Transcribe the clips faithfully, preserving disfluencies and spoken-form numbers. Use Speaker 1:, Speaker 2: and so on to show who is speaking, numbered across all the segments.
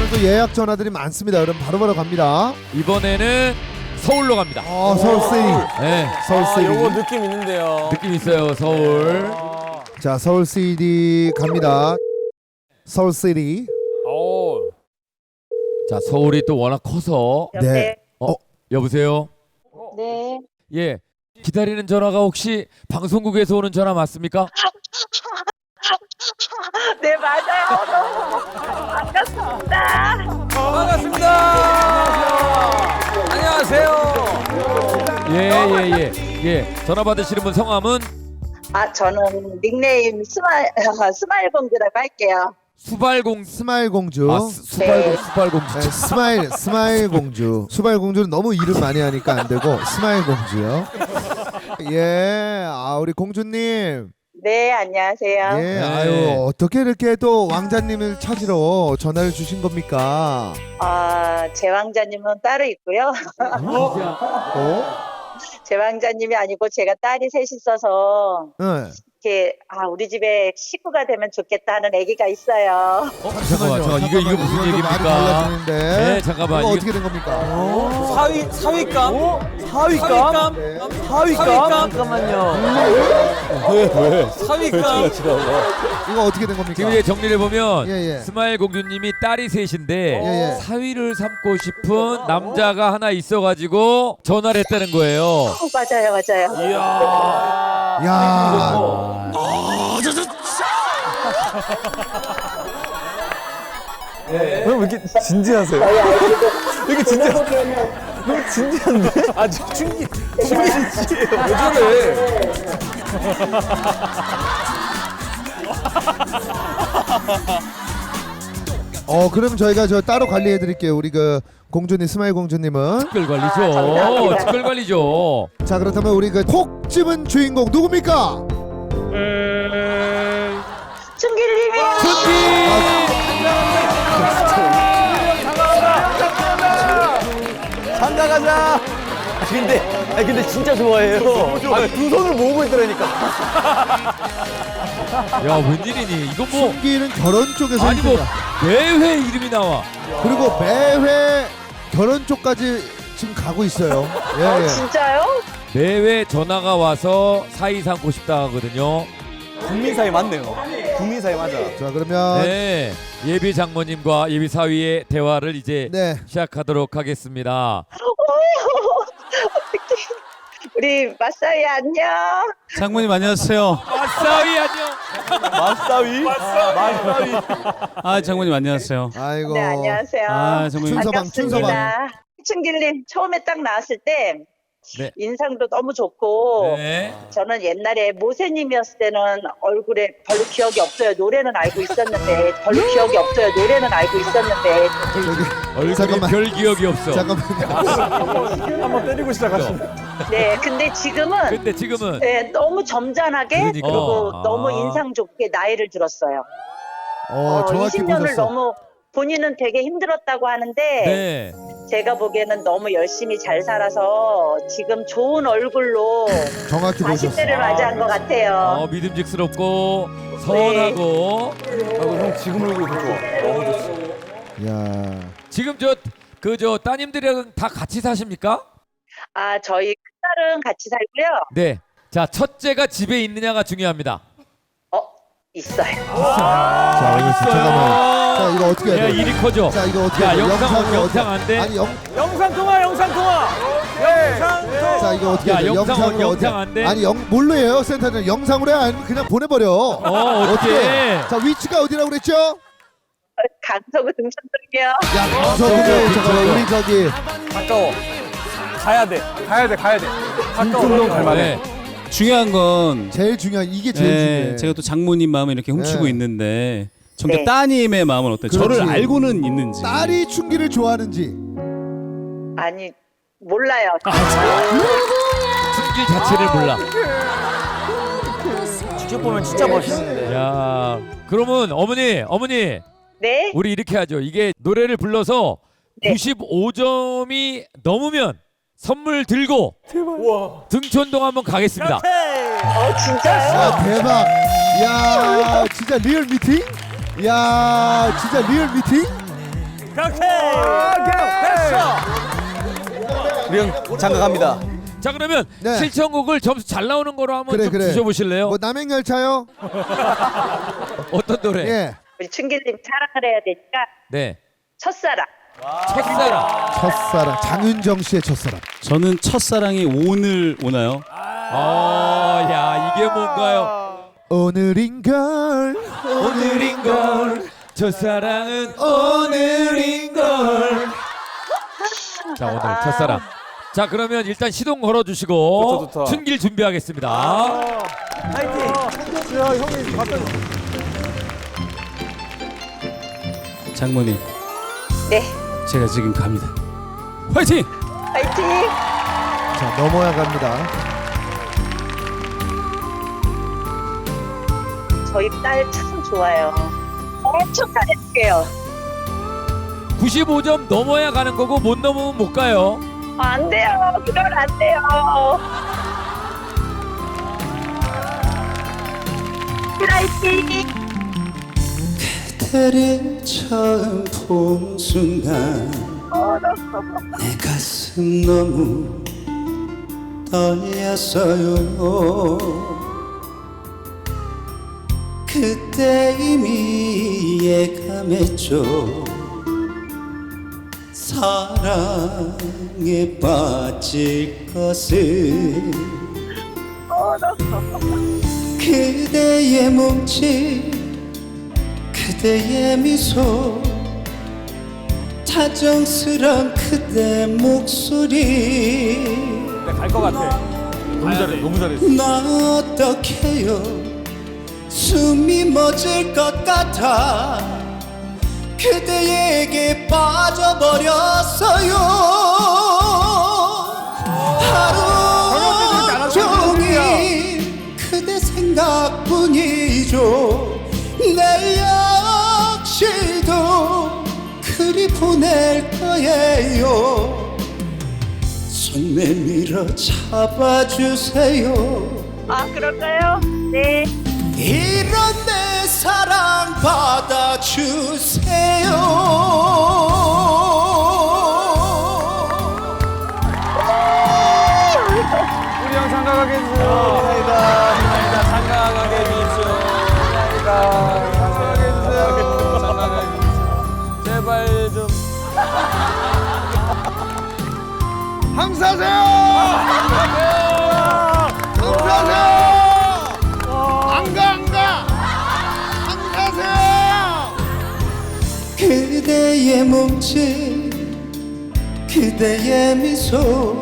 Speaker 1: 오늘도 예약 전화들이 많습니다. 그럼 바로바로 갑니다.
Speaker 2: 이번에는 서울로 갑니다.
Speaker 1: 어, 서울시티.
Speaker 2: 네,
Speaker 1: 서울시티.
Speaker 3: 아, 요거 느낌 있는데요.
Speaker 2: 느낌 있어요. 서울.
Speaker 1: 자, 서울시티 갑니다. 서울시티.
Speaker 3: 오.
Speaker 2: 자, 서울이 또 워낙 커서.
Speaker 1: 네.
Speaker 2: 어, 여보세요?
Speaker 4: 네.
Speaker 2: 예. 기다리는 전화가 혹시 방송국에서 오는 전화 맞습니까?
Speaker 4: 네, 맞아요. 너무 반갑습니다.
Speaker 3: 반갑습니다. 안녕하세요.
Speaker 2: 예, 예, 예. 예. 전화 받으시는 분 성함은
Speaker 4: 아, 저는 닉네임 스마일, 스마일 공주라고 할게요.
Speaker 2: 수발공
Speaker 1: 스마일 공주.
Speaker 2: 아, 수, 수발공
Speaker 4: 네.
Speaker 2: 수발공주.
Speaker 1: 네, 스마일 스마일 공주. 수발 공주는 너무 이름 많이 하니까 안 되고 스마일 공주요. 예, 아 우리 공주님.
Speaker 4: 네, 안녕하세요.
Speaker 1: 예,
Speaker 2: 네.
Speaker 1: 아유 어떻게 이렇게 또 왕자님을 찾으러 전화를 주신 겁니까?
Speaker 4: 아, 제 왕자님은 따로 있고요.
Speaker 1: 어?
Speaker 4: 제 왕자님이 아니고 제가 딸이 셋 있어서
Speaker 1: 네.
Speaker 4: 이렇게 아, 우리 집에 식구가 되면 좋겠다 하는 아기가 있어요.
Speaker 2: 어, 잠깐만, 잠깐만. 이거 이거 무슨
Speaker 1: 말이
Speaker 2: 얘기입니까?
Speaker 1: 달라지는데.
Speaker 2: 네, 잠깐만.
Speaker 1: 이거
Speaker 2: 이거
Speaker 1: 어떻게 된 겁니까?
Speaker 3: 사위 사위감?
Speaker 5: 사위감?
Speaker 3: 사위감?
Speaker 1: 네.
Speaker 5: 사위감? 잠깐만요.
Speaker 3: 사위감?
Speaker 1: 이거 어떻게 된 겁니까?
Speaker 2: 지금 이제 정리를 보면
Speaker 1: 예, 예.
Speaker 2: 스마일 공주님이 딸이 셋인데
Speaker 1: 예, 예.
Speaker 2: 사위를 삼고 싶은 남자가 하나 있어가지고 전화를 했다는 거예요.
Speaker 4: 어, 맞아요, 맞아요.
Speaker 3: 이야.
Speaker 1: 야.
Speaker 5: 왜 이렇게 진지하세요? 왜 이렇게 진지하세요? 너무 진지한데?
Speaker 3: 아, 충기. 충기. 왜 저래?
Speaker 1: 어, 그럼 저희가 저 따로 관리해 드릴게요. 우리 그 공주님 스마일 공주님은.
Speaker 2: 특별 관리죠.
Speaker 4: 아, 감사합니다.
Speaker 2: 특별 관리죠.
Speaker 1: 자, 그렇다면 우리 그 콕 집은 주인공 누굽니까?
Speaker 4: 음, 춘길님이요.
Speaker 5: 장가 가자. 아, 근데, 아 근데 진짜 좋아해요. 아, 두 손을 모으고 있더라니까.
Speaker 2: 야, 웬일이니? 이거 뭐
Speaker 1: 춘기는 결혼 쪽에서
Speaker 2: 아니 뭐
Speaker 1: 일등이야.
Speaker 2: 매회 이름이 나와.
Speaker 1: 그리고 매회 결혼 쪽까지 지금 가고 있어요. 예,
Speaker 4: 어,
Speaker 1: 예.
Speaker 4: 진짜요?
Speaker 2: 매회 전화가 와서 사이 삼고 싶다 하거든요.
Speaker 5: 국민 사이 맞네요. 국민 사이 맞아.
Speaker 1: 자, 그러면
Speaker 2: 네, 예비 장모님과 예비 사위의 대화를 이제
Speaker 1: 네.
Speaker 2: 시작하도록 하겠습니다.
Speaker 4: 어떡해. 우리 마사이 안녕.
Speaker 6: 장모님 안녕하세요.
Speaker 2: 사위 안녕.
Speaker 5: 맞사위? 맞사위.
Speaker 6: 아 장모님 안녕하세요.
Speaker 1: 아이고.
Speaker 4: 네, 안녕하세요.
Speaker 6: 아 장모님
Speaker 1: 춘서방, 춘서방.
Speaker 4: 반갑습니다. 춘길님 처음에 딱 나왔을 때
Speaker 2: 네.
Speaker 4: 인상도 너무 좋고
Speaker 2: 네.
Speaker 4: 저는 옛날에 모세님이었을 때는 얼굴에 별로 기억이 없어요. 노래는 알고 있었는데 별로 기억이 없어요. 노래는 알고 있었는데
Speaker 1: 저기
Speaker 2: 얼굴이
Speaker 1: 잠깐만.
Speaker 2: 별 기억이 없어.
Speaker 1: 잠깐만요.
Speaker 5: 한번 때리고 시작하시네.
Speaker 4: 네, 근데 지금은
Speaker 2: 근데 지금은
Speaker 4: 네, 너무 점잖하게
Speaker 2: 그러니까.
Speaker 4: 그리고
Speaker 2: 아.
Speaker 4: 너무 인상 좋게 나이를 들었어요.
Speaker 1: 어,
Speaker 4: 어,
Speaker 1: 정확히
Speaker 4: 이십 년을
Speaker 1: 보셨어.
Speaker 4: 너무 본인은 되게 힘들었다고 하는데
Speaker 2: 네.
Speaker 4: 제가 보기에는 너무 열심히 잘 살아서 지금 좋은 얼굴로
Speaker 1: 정확히 보셨어.
Speaker 4: 사십 대를 맞이한 것 같아요.
Speaker 2: 어, 믿음직스럽고 선하고
Speaker 5: 형 지금 얼굴 더 좋아. 너무 좋지.
Speaker 1: 야.
Speaker 2: 지금 저 그 저 따님들이랑 다 같이 사십니까?
Speaker 4: 아, 저희 큰딸은 같이 살고요.
Speaker 2: 네. 자, 첫째가 집에 있느냐가 중요합니다.
Speaker 4: 어, 있어요.
Speaker 1: 자, 이거 잠깐만. 자, 이거 어떻게 해야
Speaker 2: 야,
Speaker 1: 돼?
Speaker 2: 일이 커져.
Speaker 1: 자, 이거 어떻게
Speaker 2: 야,
Speaker 1: 해야 돼?
Speaker 2: 영상
Speaker 1: 영상을
Speaker 2: 영상
Speaker 1: 어떻게-
Speaker 2: 안 돼?
Speaker 1: 아니, 영
Speaker 3: 영상 통화, 영상 통화. 영상 통화.
Speaker 1: 자, 이거 어떻게
Speaker 2: 야,
Speaker 1: 해야 돼?
Speaker 2: 영상,
Speaker 1: 영상으로
Speaker 2: 영상
Speaker 1: 어떻게-
Speaker 2: 안 돼?
Speaker 1: 아니, 영 뭘로 해요? 센터는 영상으로 해? 아니면 그냥 보내 버려.
Speaker 2: 어, 어떻게?
Speaker 1: 자, 위치가 어디라고 그랬죠?
Speaker 4: 강서구 등촌동이요.
Speaker 1: 야, 저기
Speaker 2: 저기,
Speaker 1: 잠깐만
Speaker 2: 저기.
Speaker 1: 우리 저기
Speaker 3: 가까워. 가야 돼. 가야 돼. 가야 돼. 가까워.
Speaker 2: 네.
Speaker 6: 중요한 건
Speaker 1: 제일 중요한 이게 제일
Speaker 6: 네,
Speaker 1: 중요해.
Speaker 6: 제가 또 장모님 마음을 이렇게 훔치고
Speaker 1: 네.
Speaker 6: 있는데 정작
Speaker 4: 네.
Speaker 6: 따님의 마음은 어때요?
Speaker 1: 그렇지.
Speaker 6: 저를 알고는 있는지.
Speaker 1: 딸이 춘기를 좋아하는지.
Speaker 4: 아니, 몰라요.
Speaker 2: 숨길 자체를 몰라.
Speaker 3: 직접 보면 진짜 멋있는데.
Speaker 2: 야, 그러면 어머니, 어머니,
Speaker 4: 네?
Speaker 2: 우리 이렇게 하죠. 이게 노래를 불러서
Speaker 4: 네.
Speaker 2: 구십오 점이 넘으면 선물 들고
Speaker 3: 우와.
Speaker 2: 등촌동 한번 가겠습니다.
Speaker 4: 어, 진짜요?
Speaker 1: 야, 대박. 야, 진짜 리얼 미팅? 야, 진짜 리얼 미팅?
Speaker 3: 그렇게. 됐어.
Speaker 5: 우리 형 장가갑니다.
Speaker 2: 자 그러면
Speaker 1: 네.
Speaker 2: 실천곡을 점수 잘 나오는 거로 한번
Speaker 1: 그래
Speaker 2: 좀
Speaker 1: 그래.
Speaker 2: 드셔보실래요?
Speaker 1: 뭐 남행열차요?
Speaker 2: 어떤 노래?
Speaker 1: 예.
Speaker 4: 우리 춘길님 사랑을 해야 되니까
Speaker 2: 네.
Speaker 4: 첫사랑.
Speaker 2: 첫사랑.
Speaker 1: 첫사랑 장윤정 씨의 첫사랑.
Speaker 6: 저는 첫사랑이 오늘 오나요?
Speaker 2: 아, 야 이게 뭔가요?
Speaker 1: 오늘인걸
Speaker 2: 오늘인걸 첫사랑은 오늘인걸. 자 오늘 첫사랑. 자 그러면 일단 시동 걸어주시고
Speaker 3: 좋다, 좋다.
Speaker 2: 춘길 준비하겠습니다.
Speaker 3: 파이팅. 야 형이 갖다 줘.
Speaker 6: 장모님,
Speaker 4: 네.
Speaker 6: 제가 지금 갑니다. 화이팅!
Speaker 4: 파이팅.
Speaker 1: 자 넘어야 갑니다.
Speaker 4: 저희 딸 참 좋아요. 엄청 잘해줄게요.
Speaker 2: 구십오 점 넘어야 가는 거고 못 넘으면 못 가요.
Speaker 4: 아, 안 돼요. 그건 안 돼요. 파이팅.
Speaker 6: 그대를 처음 본 순간 내 가슴 너무 떨렸어요. 그때 이미 예감했죠. 사랑에 빠질 것을. 그대의 몸짓, 그대의 미소, 다정스런 그대 목소리.
Speaker 3: 갈 것 같아. 너무 잘해. 너무 잘했어.
Speaker 6: 나 어떡해요, 숨이 멎을 것 같아 그대에게 빠져버렸어요. 하루 종일 그대 생각뿐이죠. 내일 역시도 그리 보낼 거예요. 손 내밀어 잡아주세요.
Speaker 4: 아, 그럴까요? 네.
Speaker 6: 이런 내 사랑 받아주세요.
Speaker 3: 우리 형 장가가게 해주세요. 감사합니다. 장가가게 해주세요. 감사합니다. 장가가게 해주세요. 장가가게 해주세요. 제발 좀.
Speaker 1: 항사세요. 항사세요. 안가 안가. 항사세요.
Speaker 6: 그대의 몸짓, 그대의 미소,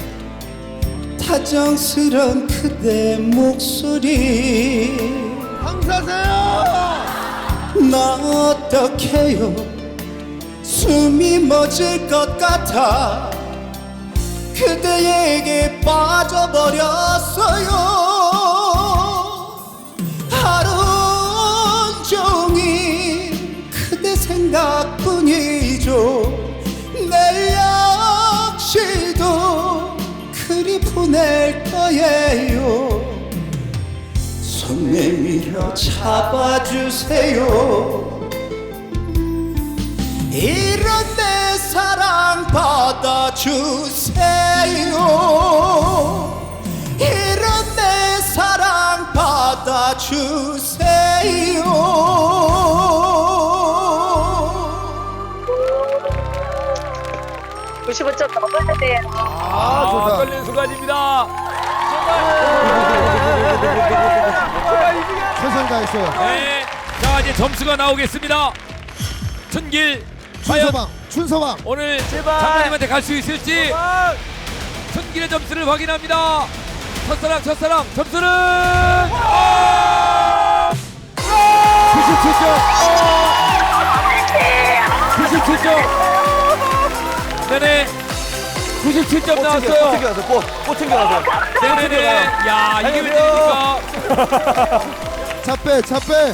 Speaker 6: 다정스런 그대 목소리.
Speaker 1: 항사세요.
Speaker 6: 나 어떡해요, 숨이 멎을 것 같아 그대에게 빠져버렸어요. 하루 종일 그대 생각뿐이죠. 내일 역시도 그리 보낼 거예요. 손 내밀어 잡아주세요. 이런 내 사랑 받아주세요. 이런 내 사랑 받아주세요.
Speaker 4: 구십오 점 넘어야 돼요.
Speaker 3: 아,
Speaker 1: 좋다.
Speaker 3: 떨리는 순간입니다.
Speaker 1: 최선 다했어요.
Speaker 2: 네. 자 이제 점수가 나오겠습니다. 춘길 과연
Speaker 1: 춘서방, 춘서방.
Speaker 2: 오늘
Speaker 3: 제발.
Speaker 2: 장모님한테 갈 수 있을지 춘길의 점수를 확인합니다. 첫사랑 첫사랑 점수는 아! 구십칠 점. 구십칠 점. 네네. 구십칠 점
Speaker 5: 꽃
Speaker 2: 나왔어요.
Speaker 5: 챙겨가세요. 꽃, 꽃 챙겨가세요.
Speaker 2: 네네네. 야 이게 웬일입니까?
Speaker 1: 차 빼, 차 빼.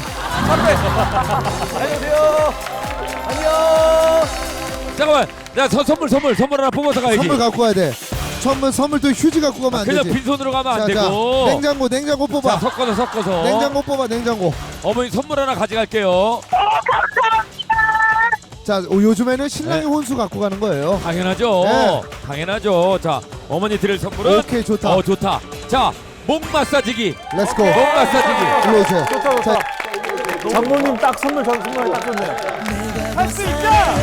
Speaker 3: 안녕하세요. 안녕.
Speaker 2: 잠깐만. 야 저 선물 선물 선물 하나 뽑아서 가야지.
Speaker 1: 선물 갖고 가야 돼. 선물 선물 또 휴지 갖고 가면 안
Speaker 2: 그냥
Speaker 1: 되지.
Speaker 2: 빈손으로 가면 안
Speaker 1: 자, 자,
Speaker 2: 되고.
Speaker 1: 냉장고, 냉장고
Speaker 2: 자
Speaker 1: 뽑아.
Speaker 2: 섞어서 섞어서.
Speaker 1: 냉장고 뽑아, 냉장고.
Speaker 2: 어머니 선물 하나 가져갈게요.
Speaker 1: 자, 어, 요즘에는 신랑이
Speaker 2: 네.
Speaker 1: 혼수 갖고 가는 거예요.
Speaker 2: 당연하죠.
Speaker 1: 네.
Speaker 2: 당연하죠. 자, 어머니 드릴 선물은
Speaker 1: 오케이, 좋다.
Speaker 2: 어, 좋다. 자, 목 마사지기.
Speaker 1: 렛츠고.
Speaker 2: 목 마사지기.
Speaker 1: 일로 오세요.
Speaker 3: 좋다, 좋다. 장모님 딱 선물, 전 선물 딱 좋네요. 할 수 있다!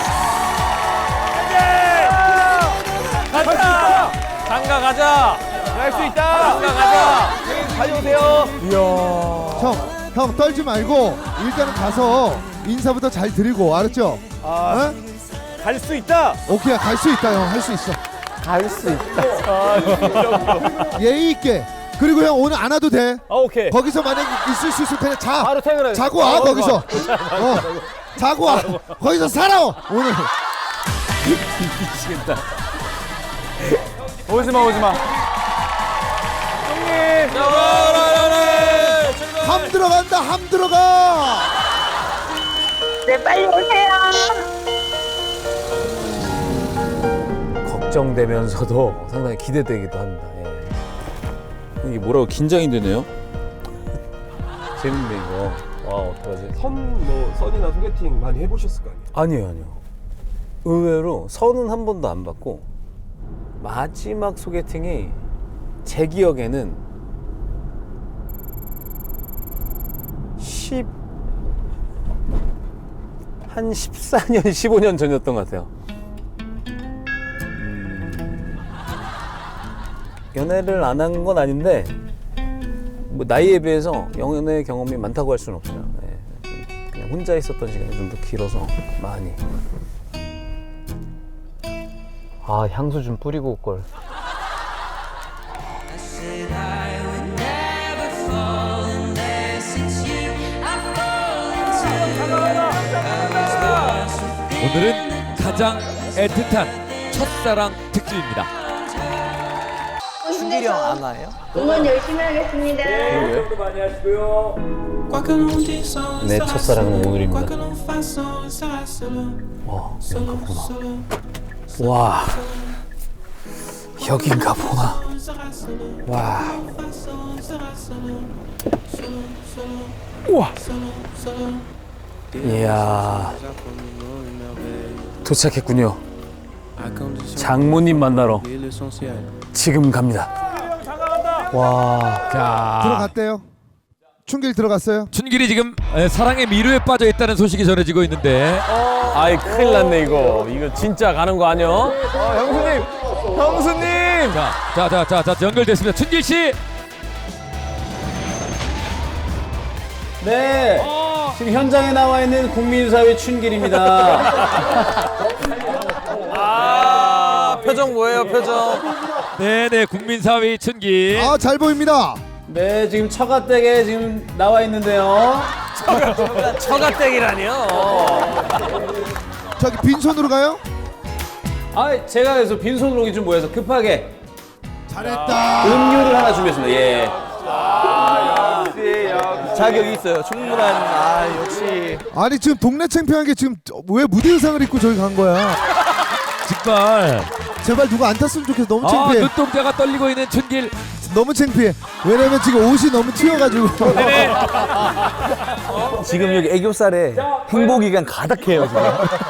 Speaker 3: 할 수 있다! 장가 가자! 할 수 있다! 장가 가자! 가져오세요! 이야.
Speaker 1: 형, 형 떨지 말고 일단은 가서 인사부터 잘 드리고 알았죠?
Speaker 3: 아,
Speaker 1: 어?
Speaker 3: 갈 수 있다!
Speaker 1: 오케이, 갈 수 있다, 형. 할 수 있어.
Speaker 3: 갈 수 있다.
Speaker 1: 예의 있게. 그리고 형 오늘 안 와도 돼.
Speaker 3: 아, 오케이.
Speaker 1: 거기서 만약 있을 수 있을 테니 자.
Speaker 3: 바로 퇴근해.
Speaker 1: 자고 와 거기서. 어. 자고 와. 거기서 살아 오늘.
Speaker 3: 미치겠다. 오지 마, 오지 마. 형님!
Speaker 1: 함 들어간다. 함 들어가.
Speaker 4: 네, 빨리 오세요.
Speaker 5: 걱정되면서도 상당히 기대되기도 합니다. 예. 이게 뭐라고 긴장이 되네요. 재밌네 이거. 와 어떡하지?
Speaker 7: 선 뭐 선이나 소개팅 많이 해보셨을 거 아니에요?
Speaker 5: 아니에요, 아니요. 의외로 선은 한 번도 안 받고 마지막 소개팅이 제 기억에는 십 한 십사 년, 십오 년 전이었던 것 같아요. 음, 연애를 안 한 건 아닌데 뭐 나이에 비해서 연애 경험이 많다고 할 수는 없어요. 예, 그냥 혼자 있었던 시간이 좀 더 길어서 많이. 아 향수 좀 뿌리고 올 걸.
Speaker 2: 오늘은 가장 애틋한 첫사랑 특집입니다.
Speaker 5: 준길이 형 안 와요?
Speaker 4: 응원 열심히 하겠습니다.
Speaker 2: 많이 하시고요.
Speaker 5: 내 첫사랑은 오늘입니다. 와, 여긴가 보나. 와, 여긴가 보나. 와. 우와. 이야. 도착했군요. 장모님 만나러 지금 갑니다. 와.
Speaker 2: 자,
Speaker 1: 들어갔대요. 춘길 들어갔어요.
Speaker 2: 춘길이 지금 에, 사랑의 미루에 빠져 있다는 소식이 전해지고 있는데
Speaker 3: 아이, 큰일 났네, 이거. 이거 진짜 가는 거 아니야? 아, 형수님! 형수님!
Speaker 2: 자, 자, 자, 자, 자 연결됐습니다. 춘길 씨.
Speaker 5: 네. 지금 현장에 나와 있는 국민사회 춘길입니다.
Speaker 3: 아, 표정 뭐예요, 표정?
Speaker 2: 네, 네, 국민사위 춘길.
Speaker 1: 아, 잘 보입니다.
Speaker 5: 네, 지금 처가댁에 지금 나와 있는데요.
Speaker 3: 처가댁이라니요?
Speaker 1: 저기 빈손으로 가요?
Speaker 5: 아, 제가 그래서 빈손으로 오기 좀 모여서 급하게
Speaker 1: 잘했다.
Speaker 5: 음료를 하나 준비했습니다. 예.
Speaker 3: 자격이 있어요. 충분한, 아, 역시.
Speaker 1: 아니 지금 동네 창피한 게 지금 왜 무대 의상을 입고 저기 간 거야?
Speaker 2: 정말.
Speaker 1: 제발 누가 안 탔으면 좋겠어. 너무
Speaker 2: 아,
Speaker 1: 창피해.
Speaker 2: 눈동자가 떨리고 있는 춘길.
Speaker 1: 너무 창피해. 왜냐면 지금 옷이 너무 튀어가지고.
Speaker 2: 네네.
Speaker 3: 지금 여기 애교살에 행복이가 가득해요, 지금.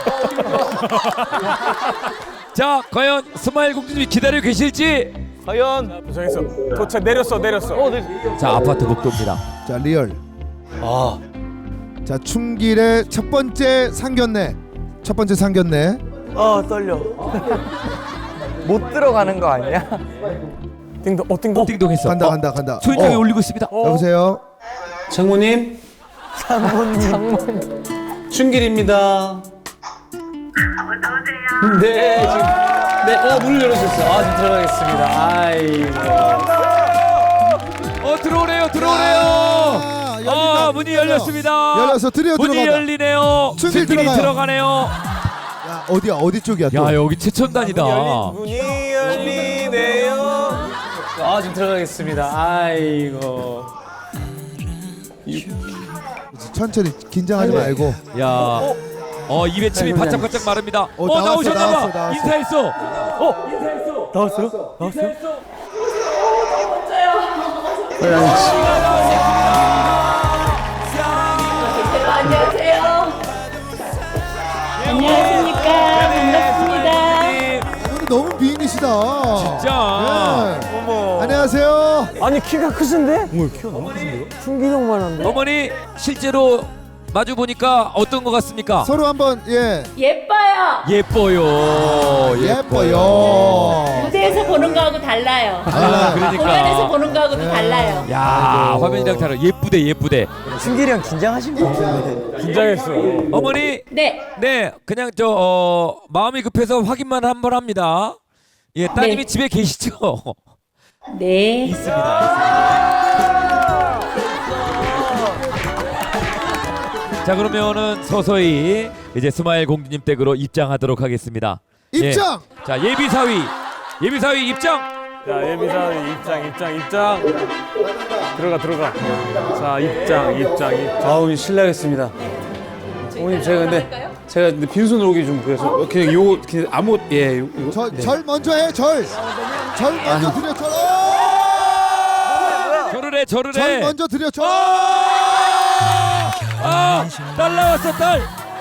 Speaker 2: 자, 과연 스마일 공주님이 기다리고 계실지.
Speaker 3: 과연. 도착했어. 도착, 내렸어, 내렸어. 어, 네.
Speaker 2: 자, 아파트 복도입니다.
Speaker 1: 자, 리얼.
Speaker 5: 아,
Speaker 1: 자, 춘길의 첫 번째 상견례. 첫 번째 상견례.
Speaker 3: 아, 떨려. 못 들어가는 거 아니야? 띵동, 어, 띵동.
Speaker 2: 띵동했어.
Speaker 1: 간다
Speaker 2: 어,
Speaker 1: 간다 간다.
Speaker 2: 소인장이
Speaker 1: 어.
Speaker 2: 올리고 있습니다.
Speaker 1: 여보세요.
Speaker 5: 장모님. 장모님. 장모님. 춘길입니다. 네, 지금. 네, 어, 문을 열어주셨어요. 아, 지금 들어가겠습니다. 아이고.
Speaker 2: 어, 들어오래요, 들어오래요.
Speaker 1: 아, 열린다.
Speaker 2: 아, 문이 열렸습니다.
Speaker 1: 열려서 드디어
Speaker 2: 문이
Speaker 1: 들어가다.
Speaker 2: 열리네요.
Speaker 1: 춘길
Speaker 2: 춘길이
Speaker 1: 들어가요.
Speaker 2: 들어가네요.
Speaker 1: 야, 어디야? 어디 쪽이야? 또?
Speaker 2: 야, 여기 최첨단이다.
Speaker 3: 문이 열리네요.
Speaker 5: 아, 지금 들어가겠습니다. 아이고.
Speaker 1: 천천히 긴장하지 말고.
Speaker 2: 야, 어, 입에 침이 바짝바짝 마릅니다. 어,
Speaker 1: 어, 나왔어,
Speaker 2: 나오셨나봐.
Speaker 1: 나왔어, 나왔어.
Speaker 2: 인사했어. 어, 인사했어.
Speaker 3: 나왔어요? 나왔어요?
Speaker 2: 인사했어.
Speaker 4: 안녕하세요.
Speaker 1: 너무 미인이시다.
Speaker 2: 진짜.
Speaker 1: 네.
Speaker 3: 어머.
Speaker 1: 안녕하세요.
Speaker 3: 아니 키가 크신데? 어머 키가 너무 크신데요? 충기동만 한데.
Speaker 2: 어머니 실제로 마주 보니까 어떤 것 같습니까?
Speaker 1: 서로 한번 예
Speaker 8: 예뻐요.
Speaker 2: 예뻐요.
Speaker 1: 예뻐요.
Speaker 8: 무대에서 보는 거하고 달라요.
Speaker 1: 달라요.
Speaker 2: 그러니까.
Speaker 8: 공연에서 보는 거하고도 달라요.
Speaker 2: 야, 화면이랑 다르. 예쁘대, 예쁘대.
Speaker 3: 충기랑 긴장하신 거 같은데. 긴장했어.
Speaker 2: 어머니,
Speaker 8: 네.
Speaker 2: 네, 그냥 저 어, 마음이 급해서 확인만 한번 합니다. 예, 따님이
Speaker 8: 네.
Speaker 2: 집에 계시죠?
Speaker 8: 네.
Speaker 2: 자, 그러면은 서서히 이제 스마일 공주님 댁으로 입장하도록 하겠습니다.
Speaker 1: 입장.
Speaker 2: 예. 자, 예비 사위, 예비 사위 입장.
Speaker 3: 자 예비사위 입장 입장 입장. 들어가 들어가. 자 입장 입장 입장.
Speaker 5: 아우 실례하겠습니다. 어머님 제가 근데 제가 근데 빈손으로 오기 좀 그래서 그냥 요 그냥 아무 예 요, 요,
Speaker 1: 절,
Speaker 5: 네.
Speaker 1: 절 먼저 해. 절. 절 먼저 드려. 절. 오!
Speaker 2: 절을 해, 절을
Speaker 1: 절
Speaker 2: 해.
Speaker 1: 먼저 드려. 절.
Speaker 2: 아, 딸 나왔어, 딸.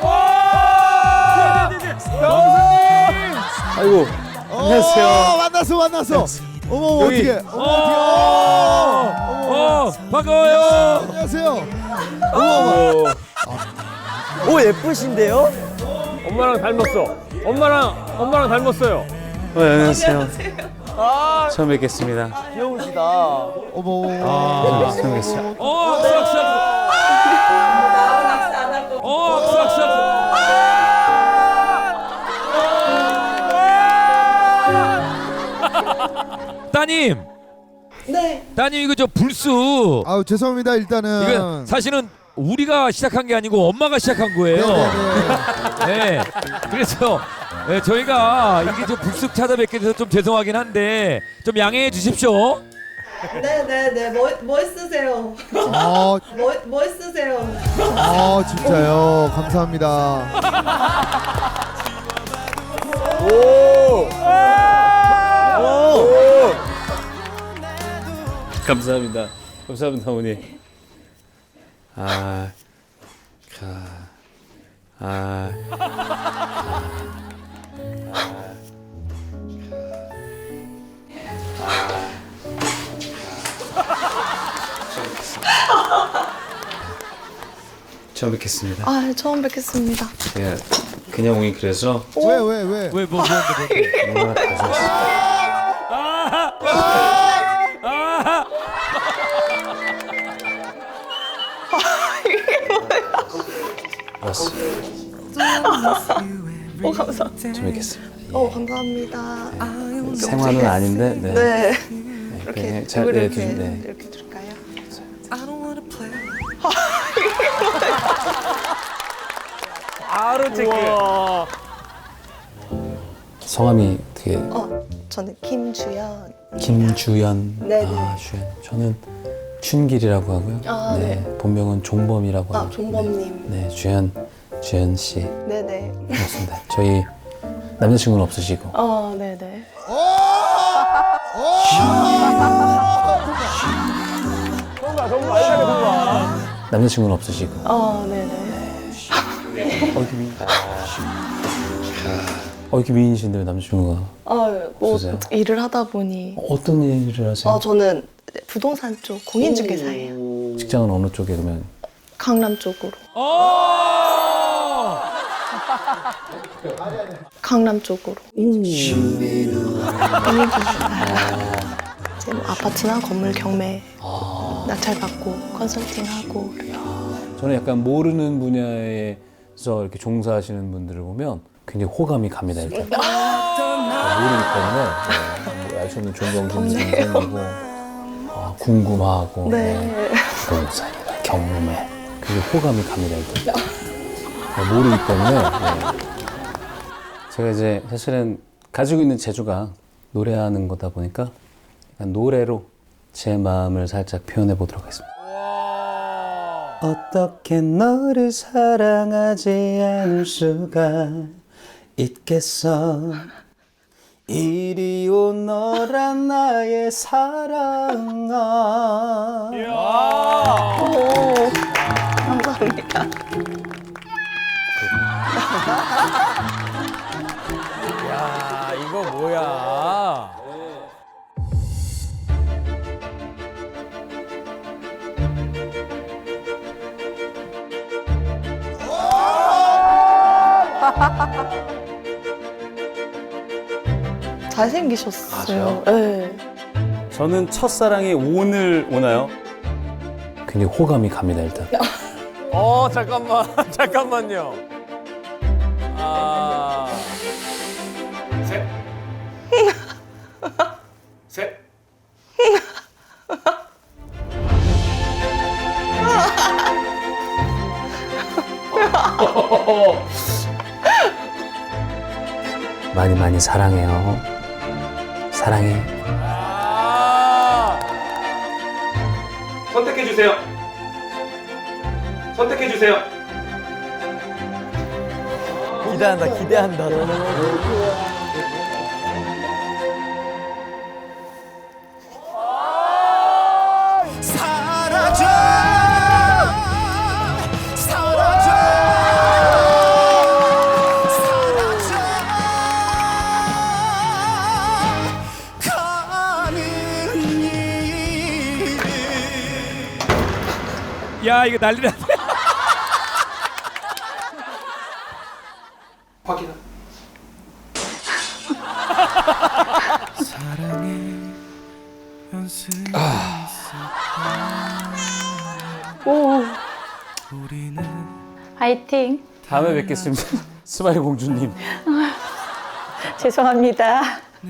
Speaker 5: 아이고 안녕하세요.
Speaker 1: 어, 만났어, 만났어. 어머, 어머
Speaker 5: 여기.
Speaker 1: 어떻게? 어머,
Speaker 2: 어,
Speaker 1: 어떻게?
Speaker 2: 어, 반가워요.
Speaker 1: 안녕하세요. 어머, 어머.
Speaker 3: 오 예쁘신데요? 엄마랑 닮았어. 엄마랑 엄마랑 닮았어요.
Speaker 5: 어, 안녕하세요. 처음 뵙겠습니다.
Speaker 3: 귀여우시다.
Speaker 1: 어머.
Speaker 5: 아, 처음 뵙겠습니다.
Speaker 2: 어, 악수, 악수, 악수. 어, 악수, 악수, 악수. 따님.
Speaker 8: 네.
Speaker 2: 따님 이거 저 불수.
Speaker 1: 아우 죄송합니다. 일단은.
Speaker 2: 이거 사실은 우리가 시작한 게 아니고 엄마가 시작한 거예요.
Speaker 1: 네네네.
Speaker 2: 네. 그래서 네, 저희가 이게 좀 불쑥 찾아뵙게 돼서 좀 죄송하긴 한데 좀 양해해 주십시오.
Speaker 9: 네네네 뭐, 멋있으세요.
Speaker 1: 어,
Speaker 9: 뭐, 멋있으세요.
Speaker 1: 어 진짜요. 감사합니다.
Speaker 3: 오. 오.
Speaker 5: 감사합니다. 감사합니다 어머니. 아, 가, 아, 처음 뵙겠습니다.
Speaker 9: 아 처음 뵙겠습니다.
Speaker 5: 제가 그냥 오긴 그래서
Speaker 1: 왜 왜 왜?
Speaker 2: 왜 뭐 뭔데 뭔데?
Speaker 5: 뭔가 가져왔어요. 왔어요.
Speaker 9: 오 감사합니다.
Speaker 5: 처음 뵙겠습니다.
Speaker 9: 어 감사합니다.
Speaker 5: 생화는 아닌데, 네.
Speaker 9: 네.
Speaker 5: 네,
Speaker 9: 이렇게
Speaker 5: 그냥 잘,
Speaker 9: 이걸
Speaker 5: 네,
Speaker 9: 이렇게
Speaker 5: 좀, 네.
Speaker 9: 이렇게 줄까요?
Speaker 3: 바로 체크.
Speaker 5: 성함이 되게
Speaker 9: 어 저는 김주연.
Speaker 5: 김주연.
Speaker 9: 네네.
Speaker 5: 아, 주연. 저는 춘길이라고 하고요.
Speaker 9: 아,
Speaker 5: 네. 본명은 종범이라고
Speaker 9: 아
Speaker 5: 하고.
Speaker 9: 종범님.
Speaker 5: 네, 주연, 주연 씨.
Speaker 9: 네네.
Speaker 5: 그렇습니다. 저희 남자친구는 없으시고.
Speaker 9: 어 네네.
Speaker 3: 정말 정말 알차게 정말.
Speaker 5: 남자친구는 없으시고.
Speaker 9: 어 네네.
Speaker 5: 어, 이렇게 미인. 어, 이렇게 미인이신데 왜 남자친구가
Speaker 9: 어뭐
Speaker 5: 없으세요?
Speaker 9: 일을 하다 보니.
Speaker 5: 어떤 일을 하세요?
Speaker 9: 어 저는 부동산 쪽 공인중개사예요.
Speaker 5: 직장은 어느 쪽에 그러면?
Speaker 9: 강남 쪽으로.
Speaker 2: 어!
Speaker 9: 강남 쪽으로. 공인중개사. 이제 뭐 아파트나 건물 경매 낙찰 받고 컨설팅하고.
Speaker 5: 저는 약간 모르는 분야에서 이렇게 종사하시는 분들을 보면 굉장히 호감이 갑니다. 일단 모르기 때문에 네, 알 수 없는 존경심이 생기고 아, 궁금하고
Speaker 9: 네.
Speaker 5: 부동산이나 경매 그게 호감이 갑니다. 일단 네, 모르기 때문에 네. 제가 이제 사실은 가지고 있는 재주가 노래하는 거다 보니까 약간 노래로 제 마음을 살짝 표현해 보도록 하겠습니다. 어떻게 너를 사랑하지 않을 수가 있겠어. 이리 오 너란 나의 사랑아.
Speaker 9: 오, 감사합니다.
Speaker 3: 야 이거 뭐야?
Speaker 9: 잘생기셨어요. 네.
Speaker 5: 저는 첫사랑이 오늘 오나요? 굉장히 호감이 갑니다 일단.
Speaker 3: 어 잠깐만 잠깐만요. 아. 셋. 셋.
Speaker 5: 많이 많이 사랑해요. 사랑해.
Speaker 3: 아.
Speaker 7: 선택해 주세요. 선택해 주세요.
Speaker 3: 기대한다 기대한다.
Speaker 6: 사라져 사라져 사라져 가는 일
Speaker 2: 야 이거 난리 났네.
Speaker 7: 확인.
Speaker 8: 화이팅.
Speaker 5: 다음에 뵙겠습니다. 스마일 공주님.
Speaker 8: 죄송합니다.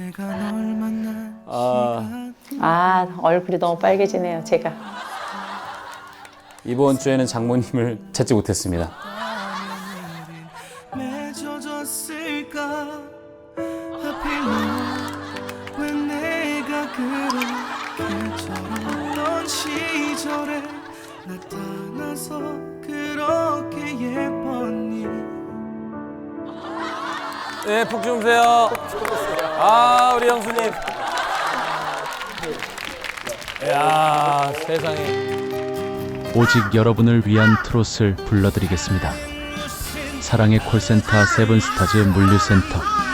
Speaker 5: 아,
Speaker 8: 아, 얼굴이 너무 빨개지네요, 제가.
Speaker 5: 이번 주에는 장모님을 찾지 못했습니다.
Speaker 6: 맺어졌을까 하필 왜 내가 그렇게 저랬던 시절에 나타나서 그렇게 예뻤니
Speaker 3: 네, 푹 주무세요. 아, 우리 형수님. 이야, 세상에.
Speaker 10: 오직 여러분을 위한 트롯을 불러드리겠습니다. 사랑의 콜센터 세븐스타즈 물류센터